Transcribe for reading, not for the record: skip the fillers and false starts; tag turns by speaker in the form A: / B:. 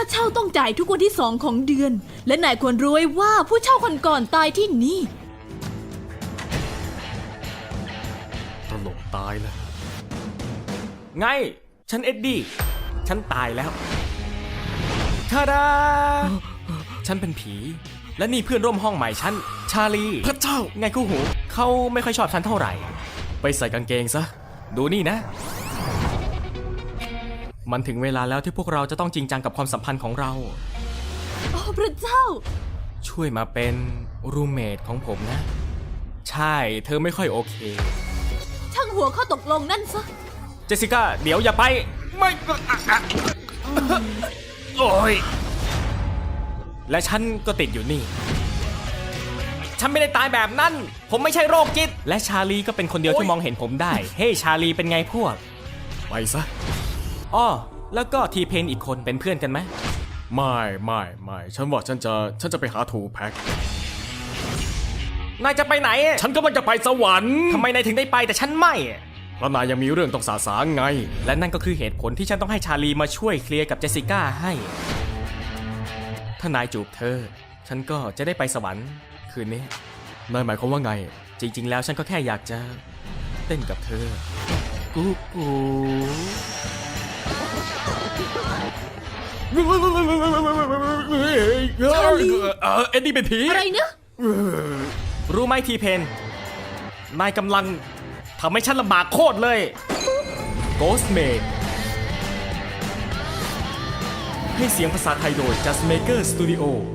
A: เช่าต้องจ่ายทุกวันที่2ของเดือน และนายควรรู้ไว้ว่าผู้เช่าคนก่อนตายที่นี่
B: ตลกตายแล้วไงฉันเอ็ดดี้ฉันตายแล้วทาดาฉันเป็นผี และนี่เพื่อนร่วมห้องใหม่ฉันชาลีพระเจ้าไงคู่หูเขาไม่ค่อยชอบฉันเท่าไหร่ไปใส่กางเกงซะดูนี่นะ มันถึงเวลาแล้วที่พวกเราจะต้องจริงจังกับความสัมพันธ์ของเรา
A: โอ้พระเจ้า
B: ช่วยมาเป็นรูมเมทของผมนะ ใช่เธอไม่ค่อยโอเค
A: ช่างหัวข้อตกลงนั่นซะ
B: เจสสิก้าเดี๋ยวอย่าไปไม่โอ้ยและฉันก็ติดอยู่นี่ ฉันไม่ได้ตายแบบนั้น ผมไม่ใช่โรคจิตและชาลีก็เป็นคนเดียวที่มองเห็นผมได้ เฮ้ชาลีเป็นไงพวกไปซะอ้อแล้วก็ทีเพนอีกคนเป็นเพื่อนกันไหมไม่ฉันว่าฉันจะไปหาทูแพ็กนายจะไปไหนฉันก็มันจะไปสวรรค์ทำไมนายถึงได้ไปแต่ฉันไม่เพราะนายยังมีเรื่องต้องสาสางไงและนั่นก็คือเหตุผลที่ฉันต้องให้ชาลีมาช่วยเคลียร์กับเจสสิก้าให้ถ้านายจูบเธอฉันก็จะได้ไปสวรรค์คืนนี้นายหมายความว่าไงจริงๆแล้วฉันก็แค่อยากจะเต้นกับเธอกู
A: ชาลี
B: เอ็ดดี้เป็นผี
A: อะไรนะ
B: รู้ไหมทีเพนนายกำลังทำให้ฉันลำบากโคตรเลย Ghostmate ให้เสียงภาษาไทยโดย Just Maker Studio